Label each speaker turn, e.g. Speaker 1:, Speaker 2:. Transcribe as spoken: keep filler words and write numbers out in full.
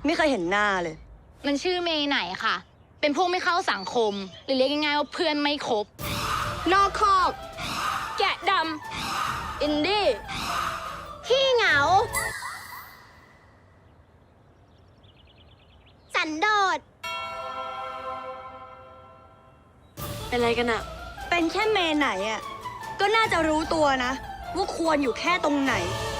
Speaker 1: ไม่เคยเห็นหน้าเลย
Speaker 2: มันชื่อเมย์ไหนค่ะเป็นพวกไม่เข้าสังคมหรือเรียกง่ายๆว่าเพื่อนไม่ครบนอกคอกแกะดำอินดี้ขี้เหงาสันโดษ
Speaker 1: เป็นอะไรกันอะเป็นแค่เมย์ไหนอะก็น่าจะรู้ตัวนะว่าควรอยู่แค่ตรงไหน